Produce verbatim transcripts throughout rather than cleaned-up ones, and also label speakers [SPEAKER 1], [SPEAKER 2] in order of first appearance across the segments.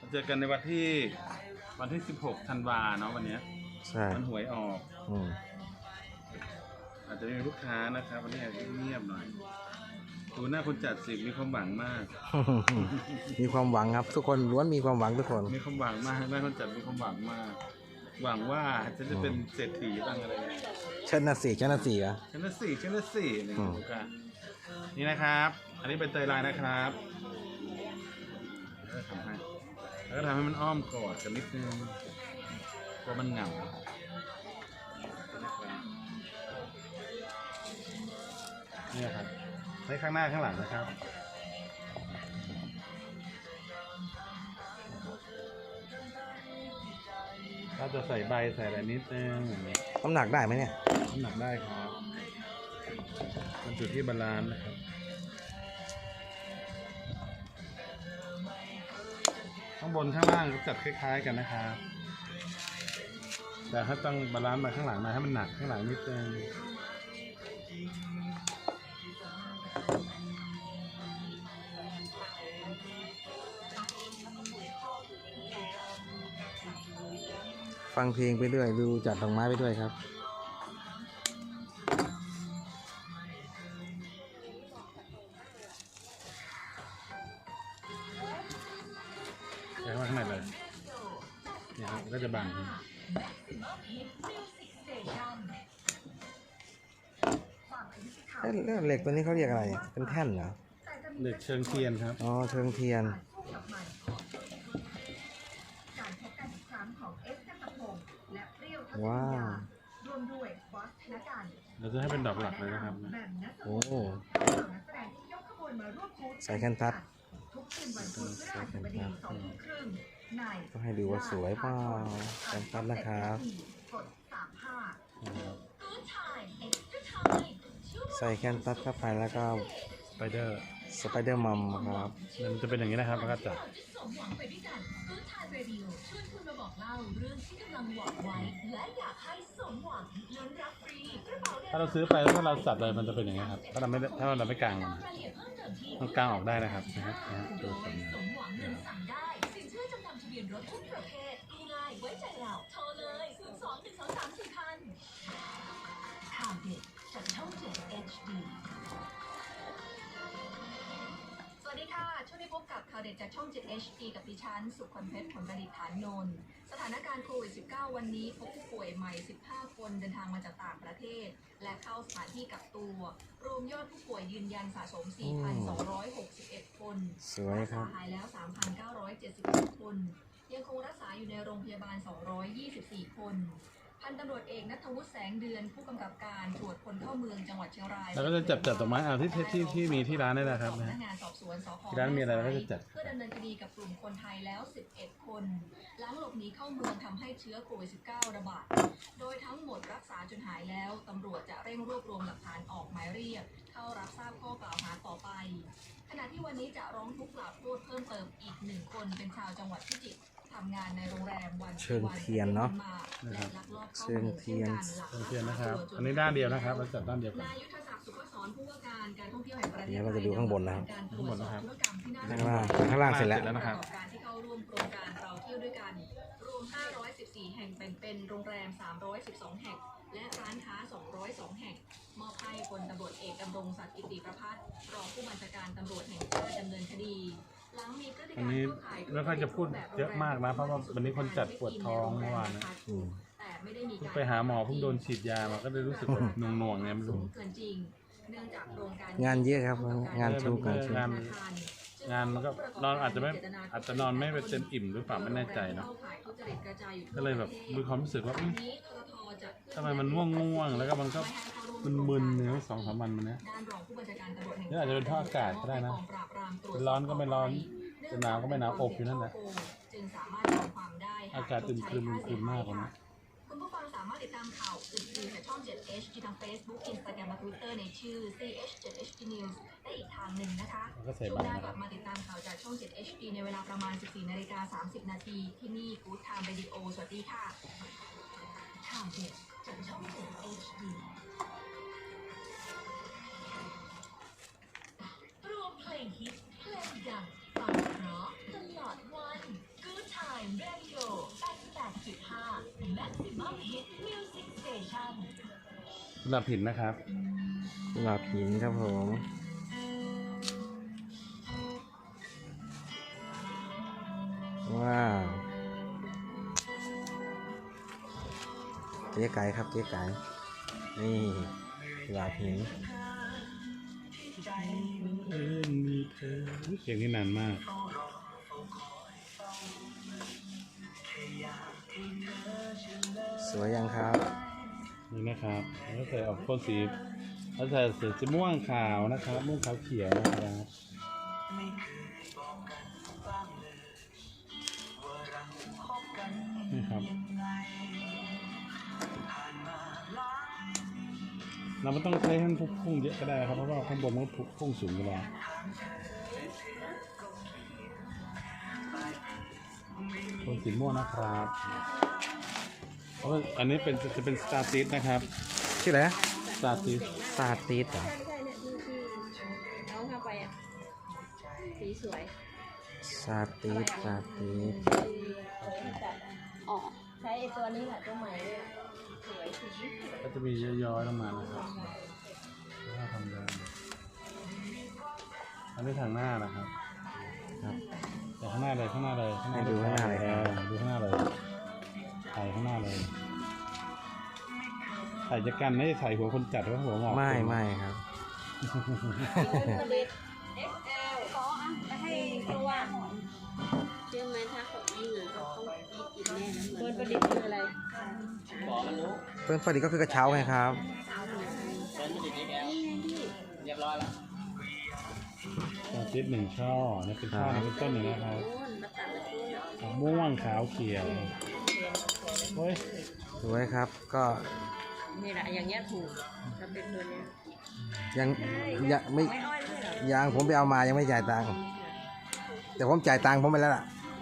[SPEAKER 1] เจอกันในวันที่วันที่สิบหกธันวาเนาะวันนี้
[SPEAKER 2] ใช่
[SPEAKER 1] มันหวยออก
[SPEAKER 2] อืม
[SPEAKER 1] อาจจะมีลูกค้านะครับวันนี้อาจจะเงียบหน่อยดูหน้าคนจัดสิมีความหวังมาก
[SPEAKER 2] มีความหวังครับทุกคนล้วนมีความหวังทุกคน
[SPEAKER 1] มีความหวังมากหน้าคนจัดมีความหวังมาก หวังว่าจะจะเป็นเศรษฐีบ้างอะไรเงี้ย
[SPEAKER 2] ชนะสี่ชนะสี่อ่ะ
[SPEAKER 1] ชนะสี่ชนะสี่นี่กันนี่นะครับ อันนี้เป็นเตยลายนะครับแล้วก็ทำให้แล้วก็ทำให้มันอ้อมกอดกันนิดนึงเพราะมันเหงานี่ครับใช้ข้างหน้าข้างหลังนะครับเราจะใส่ใบใส่อะไรนิดนึง
[SPEAKER 2] น้ำหนักได้ไหมเนี่ย
[SPEAKER 1] น้ำหนักได้ครับมันอยู่ที่บาลานซ์นะครับข้างบนข้างล่างจัดคล้ายๆกันนะครับแต่ถ้าต้องบาลานซ์มาข้างหลังนะให้มันหนักข้างหลังนิดนึง
[SPEAKER 2] ฟังเพลงไปด้วยดูจัดดอกไม้ไปด้วยครับ
[SPEAKER 1] ใส่มาข้างในเลยเนี่ยครับก็จะบัง
[SPEAKER 2] เหล็กตัวนี้เขาเรียกอะไรเป็นแท่นเหรอ
[SPEAKER 1] เหล็กเชิงเทียนครับ
[SPEAKER 2] อ๋อเชิงเทียนว้าว
[SPEAKER 1] เราจะให้เป็นดอกหลักเลยนะครับ
[SPEAKER 2] โอ้ใส่แคนตัสใส่แคนตัสก็ให้ดูว่าสวยเปล่าแคนตัสนะครับใส่แคนตัสเข้าไปแล้วก็
[SPEAKER 1] สไปเดอร์
[SPEAKER 2] สไปเดอร์มัมครับ
[SPEAKER 1] มันจะเป็นอย่างนี้นะครับแล้วก็จับถ้าเราซื้อไปถ้าเราจัดเลยมันจะเป็นอย่างนี้ครับถ้าเราไม่ถ้าเราไม่กางมันมันกางออกได้นะครับนะฮะดูสวยงาม
[SPEAKER 3] สวัสดีค่ะช่วงนี้พบกับข่าวเด็ดจากช่อง เจ็ด เอช ดี กับดิฉันสุขคนเพชรผลประดิษฐ์ฐานนนท์สถานการณ์โควิด สิบเก้า วันนี้พบผู้ป่วยใหม่ สิบห้า คนเดินทางมาจากต่างประเทศและเข้าสถานที่กักตัวรวมยอดผู้ป่วยยืนยันสะสม สี่พันสองร้อยหกสิบเอ็ด คนรักษาหายแล้ว สามพันเก้าร้อยเจ็ดสิบหก คนยังคงรักษาอยู่ในโรงพยาบาล สองร้อยยี่สิบสี่ คนพันตำรวจเอกณัฐวุฒิแสงเดือนผู้กำกับการตรวจคนเข้าเมืองจังหวัดเชียงราย
[SPEAKER 1] แล้วก็จะจับจัดดอกไม้เอาที่ที่ที่มีที่ร้านนี่แหละครับนะที่ร้านมีอะไรเราก็จะจัด
[SPEAKER 3] เพื่อดำเนินคดีกับกลุ่มคนไทยแล้วสิบเอ็ดคนหลังหลบหนีเข้าเมืองทำให้เชื้อโควิด สิบเก้า ระบาดโดยทั้งหมดรักษาจนหายแล้วตำรวจจะเร่งรวบรวมหลักฐานออกหมายเรียกเข้ารับทราบข้อกล่าวหาต่อไปขณะที่วันนี้จะร้องทุกข์กล่าวโทษเพิ่มเติมอีกหนึ่งคนเป็นชาวจังหวัดพิจิตรทำงานในโรงแรมวัน
[SPEAKER 2] เชิงเทียนเนาะเชิงเทียน
[SPEAKER 1] เชิงเทียนนะครับอันนี้ด้านเดียวนะครับเราจัดด้านเดียวกัน
[SPEAKER 3] นายยุทธศักดิ์สุขสอนผู้ว่าการการท่องเที่ยวแห่งประเทศไทย
[SPEAKER 2] เนี่ยเราจะดูข้างบนนะครับ
[SPEAKER 1] ข้างบนนะครับ
[SPEAKER 2] ข้างล่างข้างล่างเสร็จแล้ว
[SPEAKER 1] นะครับ
[SPEAKER 3] การที่เข้าร่วมโครงการเราเที่ยวด้วยกันรวมห้าร้อยสิบสี่แห่งแบ่งเป็นโรงแรมสามร้อยสิบสองแห่งและร้านค้าสองร้อยสองแห่งมอบให้พลตำรวจเอกดำรงศักดิ์กิติประภัสรองผู้บัญชาการตำรวจแห่งชาติดำเนินคดี
[SPEAKER 1] อันนี้ไม่ค่อยจะพูดเยอะมากนะเพราะว่าวันนี้คนจัดปวดท้องเมื่อวานนะไปหาหมอเพิ่งโดนฉีดยามาก็เลยรู้สึกแบบหน่วงๆเนี่ยไม่รู้
[SPEAKER 2] งานเยอะครับงานชุกงานชุก
[SPEAKER 1] งานงานมันก็นอนอาจจะไม่อาจจะนอนไม่เป็นเต็มอิ่มหรือเปล่าไม่แน่ใจเนาะก็เลยแบบมีความรู้สึกว่าทำไมมันง่วงๆแล้วก็มันก็มึนๆเนี่ยสองสามวันมันเนี้ยนี่อาจจะเป็นเพราะอากาศก็ได้นะเป็นร้อนก็ไม่ร้อนจะหนาวก็ไม่หนาวอบอยู่นั่นแหละอากาศอึมครึมอึมครึมมากเลยนะ
[SPEAKER 3] คุณผู้ฟังสามารถติดตามข่าวอื่นๆจากช่อง เจ็ด เอช ดี ทาง Facebook Instagram และ Twitter ในชื่อ ซี เอช เจ็ด เอช ดี News ได้อีกทางหนึ่งนะคะช่วงหน้ากลับมาติดตามข่าวจากช่อง เจ็ด เอช ดี ในเวลาประมาณ สิบสี่นาฬิกาสามสิบนาทีที่นี่ Good Time Radio สวัสดีค่ะข่าวเด็ดจากช่อง เจ็ด เอช ดี รวมเพลงฮิตเพลงดังฟังเพราะตลอดวัน Good
[SPEAKER 1] กุหลาบหินนะครับ
[SPEAKER 2] กุหลาบหินครับผมว้าวเจ๊ไก่ครับเจ๊ไก่นี่กุหลาบหิน
[SPEAKER 1] เพลงนี้นานมาก
[SPEAKER 2] สวยยังครับ
[SPEAKER 1] นี่นะครับแล้วใส่ออกโทนสีแล้วใส่สีม่วงขาวนะครับม่วงขาวเขียวนะครับนี่ครับเราไม่ต้องใช้ให้มันพุ่งเยอะก็ได้ครับเพราะว่าข้างบนมันพุ่งสูงอยู่แล้วโทนสีม่วงนะครับเพราะอันนี้เป็นจะเป็นสตาร์ติสนะครับ
[SPEAKER 2] ชื่ออะไรนะ
[SPEAKER 1] สตาร์ติส
[SPEAKER 2] ซาติสเหรอ
[SPEAKER 4] ใช่ใช่เนี่ยที่ที่น้องเข้าไปอ่ะสีสวย
[SPEAKER 2] ซาติสซาติส
[SPEAKER 4] ที่จัดอ๋อใช้ไอ้ตัวนี้แหละตัวใหม่เนี่ยสวยสี
[SPEAKER 1] ก็จะมีย้อยๆลงมานะครับถ้าทำได้อันนี้ทางหน้านะครับ
[SPEAKER 2] ครับ
[SPEAKER 1] แต่ข้างหน้าเลยข้างหน้าเลยข้างหน้า
[SPEAKER 2] ให้ดูข้างหน้าเลยครับ
[SPEAKER 1] ออดูข้างหน้าเลยถ่ายข้างหน้าเลยถ่ายจะกันไม่ได้ถ่ายหัวคนจัดหรือหัวหงอก
[SPEAKER 2] ไม่ไม่ครับ
[SPEAKER 4] ผลิต เอ็กซ์ แอล ขออ่ะไปให้ตัวเชื่อไหมถ้าเขายิงอ่ะเขาต้องกินแน่นะเปิดประดิษฐ์คืออะไร
[SPEAKER 2] เพื่อนพอดีก็คือกระเช้าไงครับ
[SPEAKER 1] ตาติดหนึ่งช่อนี่เป็นช่อ
[SPEAKER 2] ครับ
[SPEAKER 1] นี่เป็นต้นหนึ่งนะครับ
[SPEAKER 4] โน่นมาตัดมาตู้น่ะ
[SPEAKER 1] ม่วงขาวเขียวเฮ้ย
[SPEAKER 2] สวยครับก็
[SPEAKER 4] นี่แหละอย่างเงี้ยถูกถ้าเป็นตัวเนี้ย
[SPEAKER 2] ยังยังไม่
[SPEAKER 4] ไม่อ้อยไม่เหรอ
[SPEAKER 2] ยังผมไปเอามายังไม่จ่ายตังค์แต่ผมจ่ายตังค์ผมไปแล้วล่ะ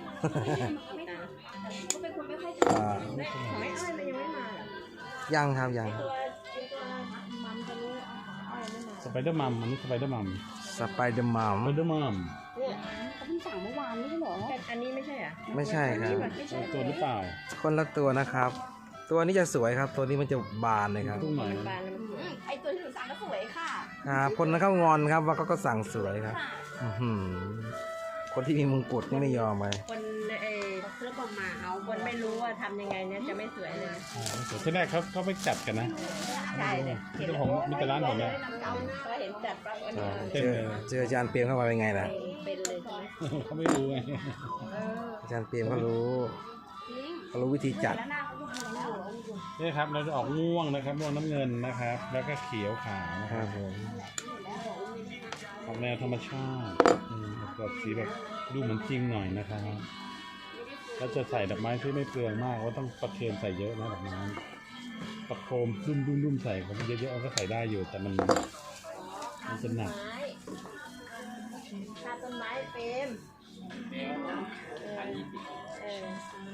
[SPEAKER 4] ก็เป็นคนไม่ค่อย
[SPEAKER 2] อ่า
[SPEAKER 4] ไม่ของไม่อ้อยมันยังไม่มาเหรอ
[SPEAKER 2] ยังครับยัง
[SPEAKER 4] ตัวตัวมัมตัวนี้อ้อยไม่มา
[SPEAKER 1] สไปเดอร์มัมอันนี้สไปเดอร์มัม
[SPEAKER 2] สไปเดอร์มัม
[SPEAKER 1] สไปเดอร์มัม
[SPEAKER 4] เนี่ยเขาเพิ่งสั่งเมื่อวานไม่ใช่เหรออันนี้ไม่ใช่อ่ะ
[SPEAKER 2] ไม่ใช่ครับ
[SPEAKER 4] ไม่ใช่
[SPEAKER 1] ตัวหรือเปล่า
[SPEAKER 2] คนละตัวนะครับ ตัวนี้จะสวยครับ ตัวนี้มันจะบานเลยครับ
[SPEAKER 1] ตุ้งหน่อย
[SPEAKER 4] บานแล้วมันสวยไอตัวที่หนูสั่งก็สวยค่ะ
[SPEAKER 2] ครับคนนั้นเขางอนครับว่าเขาก็สั่งสวยครับอื้อหือคนที่มีมงกุฎนี่ไม่ยอมไป
[SPEAKER 4] คนเออเครื่องประมาเอาคนไม่รู้ว่าทำยังไงเนี่ยจะไม่สวยเลย
[SPEAKER 1] อ่าสวยที่แรกเขาเขาไม่จัดกันนะ
[SPEAKER 4] ใช่เลย
[SPEAKER 1] ที่เจ้าของมิตรร้านผมเนี่ย
[SPEAKER 4] ก็เห็นจัดปั๊บวัน
[SPEAKER 2] ใช่
[SPEAKER 4] นี้
[SPEAKER 2] เจอเจออาจารย์เปียมเข้ามาเป็นไงล่ะ
[SPEAKER 4] เป็นเลยใช่ไหม
[SPEAKER 1] เขาไม่รู้ไง
[SPEAKER 4] เออ
[SPEAKER 2] อาจารย์เปียมเขารู้
[SPEAKER 4] จริง
[SPEAKER 2] เขารู้วิธีจัด
[SPEAKER 4] แล้วหน้าเขาจะทำแล้ว
[SPEAKER 1] นี่ครับเราจะออกม่วงนะครับม่วงน้ำเงินนะครับ แล้วก็เขียวขาวนะ
[SPEAKER 2] ค
[SPEAKER 1] ค
[SPEAKER 2] รั
[SPEAKER 1] รั
[SPEAKER 2] บบ ผม
[SPEAKER 1] ออกแนวธรรมชาติอืมแบบสีแบบดูเหมือนจริงหน่อยนะครับแล้วจะใส่ดอกไม้ที่ไม่เปลืองมากว่าต้องประเคนใส่เยอะนะดอกไม้ประโคมดุ้มดุ้มดุ้มใส่ผมเยอะๆก็ใส่ได้อยู่แต่มันมันจะหนัก
[SPEAKER 4] ไม้ถ้าต้นไม้เฟรมเออเออ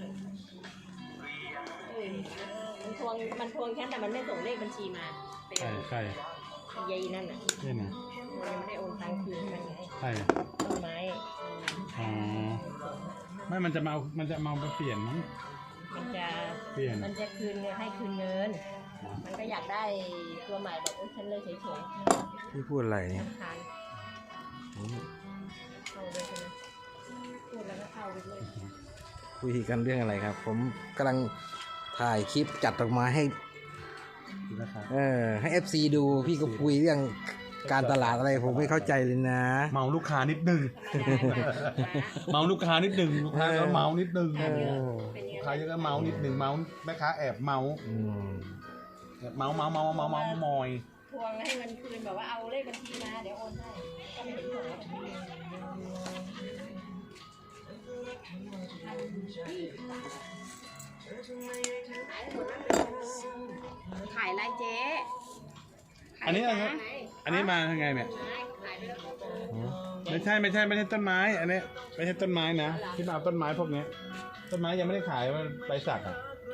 [SPEAKER 4] เออมันทวงมันทวงแค่แต่มันไม่ส่งเลขบัญชีมาเป็น
[SPEAKER 1] ใช่ใช่
[SPEAKER 4] ยายนั่นน่ะ
[SPEAKER 1] ใช่นะ
[SPEAKER 4] มันยังไม่ได้โอนตังค์คืนให้มันไง
[SPEAKER 1] ใช่
[SPEAKER 4] ต้นไม้
[SPEAKER 1] อ๋อไม่มันจะมาเอามันจะมาเอาไปเปลี่ยนมั้ง
[SPEAKER 4] มันจะ
[SPEAKER 1] เปลี่ยน
[SPEAKER 4] มันจะคืนเงินให้คืนเงิน มันก็อยากได้ตัวใหม่แบบโอ้ฉันเลยเฉย
[SPEAKER 2] พี่พูดอะไร
[SPEAKER 4] ๆ
[SPEAKER 2] เนี่ย
[SPEAKER 4] ทำทาน
[SPEAKER 2] อืม
[SPEAKER 4] เข้าเลยใช่ไหมพูดแล้วก็เข้าไปเลย
[SPEAKER 2] คุยกันเรื่องอะไรครับ ผมกำลังถ่ายคลิปจัดดอกไม้ให้
[SPEAKER 1] นะครับ
[SPEAKER 2] เออให้ เอฟ ซี ดูพี่ก็คุยเรื่องการตลาดอะไรผมไม่เข้าใจเลยนะ
[SPEAKER 1] เมาลูกค้านิดนึง เมาลูกค้านิดนึงลูกค้าก็เมานิดนึง
[SPEAKER 2] เออ
[SPEAKER 4] เป็นยัง
[SPEAKER 1] ลูก
[SPEAKER 4] ไง
[SPEAKER 1] ค้าเยอะก็เมานิดนึงเมาแม่ค้าแอบเมา
[SPEAKER 2] อืม
[SPEAKER 1] แอบเมาเมาเมาเมาเมามอย
[SPEAKER 4] ทวงให้มันคืนแบบว่าเอาเลขบัญชีมาเดี๋ยวโอนให้ก็ไม่เห็นส่งมาขายอะไรเจ๊
[SPEAKER 1] อันนี้อะไรครับอันนี้มายังไงเนี่ย
[SPEAKER 4] ขายไปแล้ว
[SPEAKER 1] ไม่ใช่ไม่ใช่ไม่ใช่ต้นไม้ อันนี้ไม่ใช่ต้นไม้นะที่มาเอาต้นไม้พวกเนี้ยต้นไม้ยังไม่ได้ขายว่าใบสักอ่ะ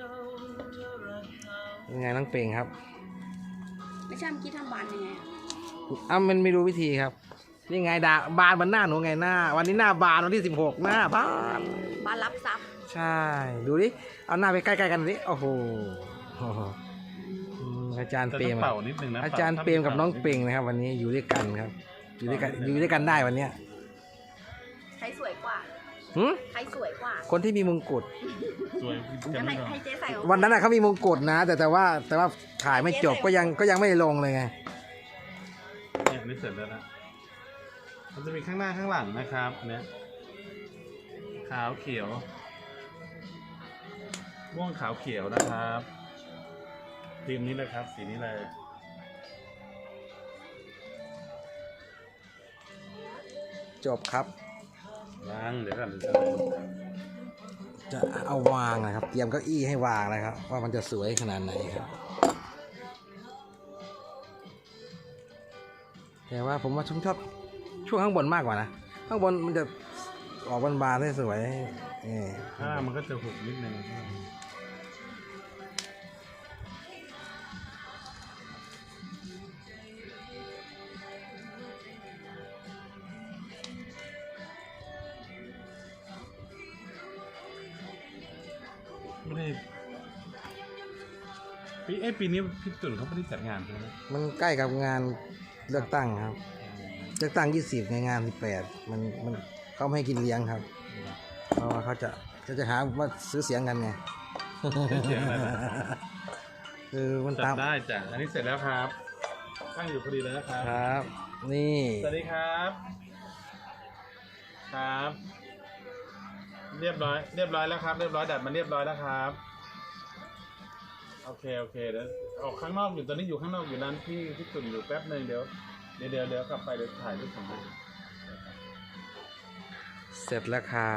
[SPEAKER 2] ยังไงน้องเปงครับ
[SPEAKER 4] ไม่ใช่เมื่อกี้ทำบานยังไง
[SPEAKER 2] อ้ามันไม่รู้วิธีครับนี่ไงดาบานมันหน้าหนูไงหน้า วันนี้หน้าบานวันที่สิบหกหน้าบาน
[SPEAKER 4] บานรับทรัพย์
[SPEAKER 2] ใช่ ดูดิ เอาหน้าไปใกล้ๆกันดิโอ้โหโอ้โหอืมอาจารย์
[SPEAKER 1] แต่
[SPEAKER 2] เปร
[SPEAKER 1] ต้อ
[SPEAKER 2] ม
[SPEAKER 1] งเป่านิดนึงนะ
[SPEAKER 2] อาจารย์เปรมกับน้องเปรงนะครับ วันนี้อยู่ด้วยกันครับ อยู่ด้วยกันอยู่ด้วยกันได้วันเนี้ย
[SPEAKER 4] ใครสวยกว่า
[SPEAKER 2] หึ
[SPEAKER 4] ใครสวยกว่า
[SPEAKER 2] คนที่มีมงกุฎ
[SPEAKER 1] สวย
[SPEAKER 4] จะ
[SPEAKER 1] กัน
[SPEAKER 4] ให้
[SPEAKER 1] ไม่ก่อน
[SPEAKER 4] ให้เจ๊ใส่ของ
[SPEAKER 2] วันนั้นน่ะเขามีมงกุฎนะ แต่แต่ว่าแต่ว่าถ่ายไม่จบก็ยังก็ยังไม่ลงเลยไง
[SPEAKER 1] เนี่ยอันนี่เสร็จแล้วนะมันจะมีข้างหน้าข้างหลังนะครับเนี่ยขาวเขียวม่วงขาวเขียวนะครับทีมนี้นะครับ สีนี้เลย
[SPEAKER 2] จบครับ
[SPEAKER 1] วางเดี๋ยวก่อน
[SPEAKER 2] จะเอาวางนะครับ เตรียมเก้าอี้ให้วางนะครับ ว่ามันจะสวยขนาดไหนครับ แต่ว่าผมว่าผมชอบช่วงข้างบนมากกว่านะ ข้างบนมันจะออกบานๆได้สวยนี่
[SPEAKER 1] ข้างล่างมันก็จะหุบนิดนึง ไม่ได้ปีเอ้ยปีนี้พี่ตุ่นเขาไม่ได้จัดงานใช่ไหม
[SPEAKER 2] มันใกล้กับงานเลือกตั้งครับ เลือกตั้งยี่สิบในงานสิบแปดมันมันเขาไม่ให้กินเลี้ยงครับ เพราะว่าเขาจะจะจะหาว่าซื้อเสียงกันไง
[SPEAKER 1] เสียงอะไรนะ
[SPEAKER 2] คือมัน
[SPEAKER 1] จั
[SPEAKER 2] ตา
[SPEAKER 1] ด
[SPEAKER 2] ม
[SPEAKER 1] ได้จ้ะอันนี้เสร็จแล้วครับตั้งอยู่พอดีเลยนะครับ
[SPEAKER 2] ครับ นี่
[SPEAKER 1] สวัสดีครับ ครับ เรียบร้อย เรียบร้อยแล้วครับ เรียบร้อยดัดมันเรียบร้อยแล้วครับ โอเคโอเคเดี๋ยวออกข้างนอกอยู่ตอนนี้อยู่ข้างนอกอยู่ร้านพี่พี่ตุ่นอยู่แป๊บหนึ่งเดี๋ยวเดี๋ยวเดี๋ยวเดี๋ยวกลับไปเดี๋ยวถ่ายรูปของมัน
[SPEAKER 2] เสร็จแล้วครับ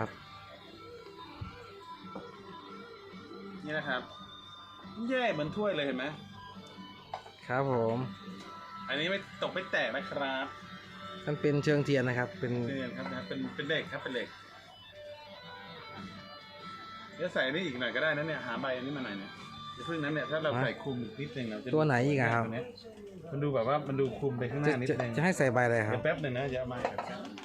[SPEAKER 1] นี่นะครับแย่เหมือนถ้วยเลยเห็นไหม
[SPEAKER 2] ครับผม
[SPEAKER 1] อันนี้ไม่ตกไม่แตกนะครับ
[SPEAKER 2] มันเป็นเชิงเทียนนะครับ เป็น
[SPEAKER 1] นี่ครับนะเป็นเป็นเหล็กครับเป็นเหล็กเดี๋ยวใส่นี่อีกหน่อยก็ได้นะเนี่ยหาใบอันนี้มาหน่อยเนี่ยอย่าเพิ่งนั้นเนี่ยถ้าเราใส่คลุมอีกนิดนึงเราจะ
[SPEAKER 2] ตัวไหนอีกอะครับ
[SPEAKER 1] ตัวเนี้ยมันดูแบบว่ามันดูคลุมไปข้างห
[SPEAKER 2] จะ
[SPEAKER 1] น้านิด
[SPEAKER 2] จะ
[SPEAKER 1] นึง
[SPEAKER 2] จะให้ใส่ใบอะไรครั
[SPEAKER 1] เดี๋
[SPEAKER 2] บ
[SPEAKER 1] ยวแป๊บหนึ่งนะอย่าเอามาครับ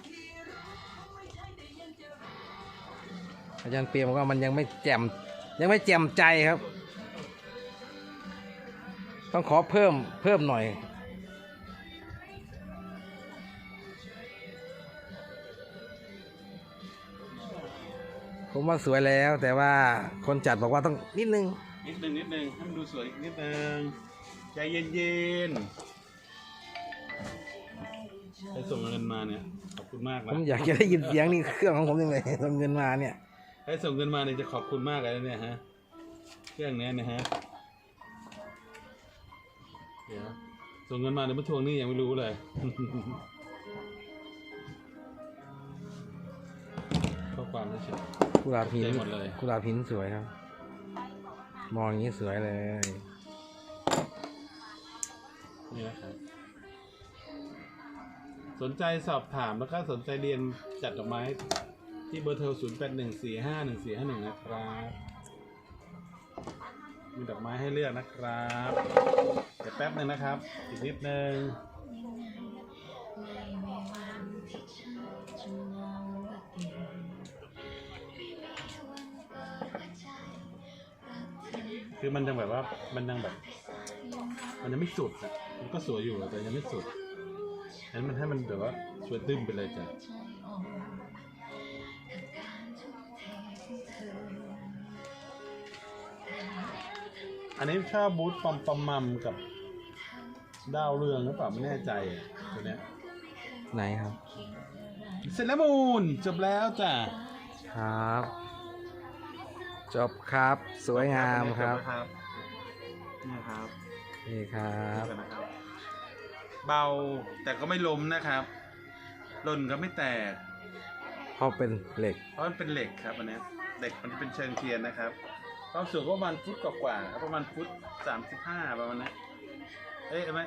[SPEAKER 2] อาจารย์เปียบอกว่ามันยังไม่แจ่มยังไม่แจ่มใจครับ ต้องขอเพิ่มเพิ่มหน่อย ผมว่าสวยแล้วแต่ว่าคนจัดบอกว่าต้องนิดนึง
[SPEAKER 1] นิดนึงนิดนึงให้มันดูสวยอีกนิดนึงใจเย็นๆให้ส่งเงินมาเนี่ยขอบคุณมาก
[SPEAKER 2] ผ
[SPEAKER 1] นะ
[SPEAKER 2] มอยากจะได้ยินเสียงนี่เครื่องของผมยังไงส่งเงินมาเนี่ย
[SPEAKER 1] ให้ส่งเงินมาเนี่ยจะขอบคุณมากเลยนะเนี่ยฮะเครื่องเนี้ยนะฮะเดี๋ยวส่งเงินมาเดี๋ยวมาทวงหนี่ยังไม่รู้เลย ข้อความไม่ใช่
[SPEAKER 2] กุหลาบหิน
[SPEAKER 1] ใจหมดเลย
[SPEAKER 2] กุหลาบหินสวยครับ มองอย่างนี้สวยเลย
[SPEAKER 1] นี่นะครับ สนใจสอบถามแล้วก็สนใจเรียนจัดดอกไม้ที่เบอร์โทรศูนย์แปดหนึ่งสี่ห้าหนึ่งสี่ห้าหนึ่งนะครับ มีดอกไม้ให้เลือกนะครับเดี๋ยวแป๊บหนึ่งนะครับ อีกนิดนึงคือมันยังแบบว่ามันยังแบบ มันยังไม่สุดอ่ะมันก็สวยอยู่แต่ยังไม่สุดฉะนั้นมันให้มันแบบว่าสวยตึ้มไปเลยจ้ะอันนี้ชอบบูธปอมปอมมัมกับดาวเรืองหรือเปล่าไม่แน่ใจอ่ะตัวเนี้ย
[SPEAKER 2] ไหนครับ
[SPEAKER 1] เสร็จแล้วมูลจบแล้วจ้ะ
[SPEAKER 2] ครับ จบครับสวยงามครับ
[SPEAKER 1] นี่ครับ
[SPEAKER 2] นี่ครับ
[SPEAKER 1] เบาแต่ก็ไม่ล้มนะครับหล่นก็ไม่แตก
[SPEAKER 2] เพราะเป็นเหล็ก
[SPEAKER 1] เพราะมันเป็นเหล็กครับอันเนี้ยเหล็กมันจะเป็นเชิงเทียนนะครับความสูงก็ประมาณฟุตกว่าๆครับประมาณฟุตสามสิบห้าประมาณนั้นเอ้ยเอาไหม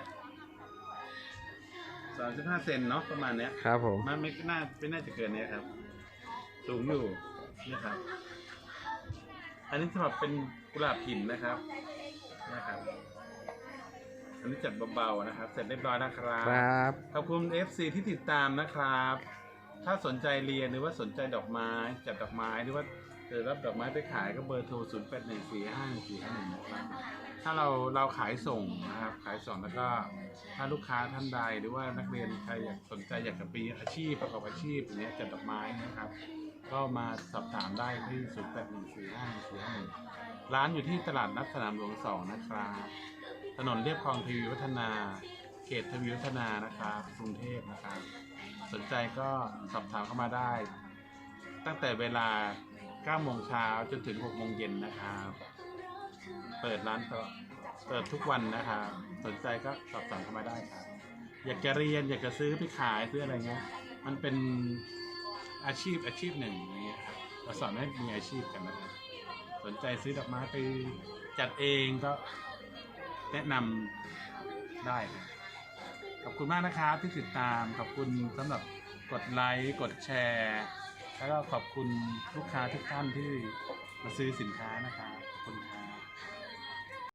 [SPEAKER 1] สามสิบห้าเซนเนาะประมาณเนี้ย
[SPEAKER 2] ครับผม
[SPEAKER 1] มันไม่น่าไม่น่าจะเกินเนี้ยครับ สูงอยู่นี่ครับ อันนี้สำหรับเป็นกุหลาบหินนะครับนะครับอันนี้จัดเบาๆนะครับ เสร็จเรียบร้อยนะครับ
[SPEAKER 2] ครับ
[SPEAKER 1] ขอบคุณ เอฟ ซี ที่ติดตามนะครับ ถ้าสนใจเรียนหรือว่าสนใจดอกไม้จัดดอกไม้หรือว่าเกิดรับดอกไม้ไปขายก็เบอร์โทร ศูนย์ แปด หนึ่ง สี่ ห้า สี่ ห้า หนึ่ง นะครับถ้าเราเราขายส่งนะครับขายส่งแล้วก็ถ้าลูกค้าท่านใดหรือว่านักเรียนใครอยากสนใจอยากจะปีอาชีพประกอบอาชีพอย่างเงี้ยจัดดอกไม้นะครับก็มาสอบถามได้ที่ ศูนย์ แปด หนึ่ง สี่ ห้า สี่ ห้า หนึ่ง ร้านอยู่ที่ตลาดนัดสนามหลวงสองนะครับถนนเรียบคลองทวีวัฒนาเขตทวีวัฒนานะครับกรุงเทพนะครับสนใจก็สอบถามเข้ามาได้ตั้งแต่เวลาเก้าโมงเช้าจนถึงหกโมงเย็นนะครับเปิดร้านต่อเปิดทุกวันนะครับสนใจก็สอบถามเข้ามาได้ครับอยากจะเรียนอยากจะซื้อไปขายซื้ออะไรเงี้ยมันเป็นอาชีพอาชีพหนึ่งอย่างเงี้ยครับเราสอนให้มีอาชีพกันนะครับสนใจซื้อดอกไม้ไปจัดเองก็แนะนำได้ครับขอบคุณมากนะครับที่ติดตามขอบคุณสำหรับกดไลค์กดแชร์แล้วก็ขอบคุณลูกค้าทุกท่านที่มาซื้อสินค้านะครับขอบคุณครับ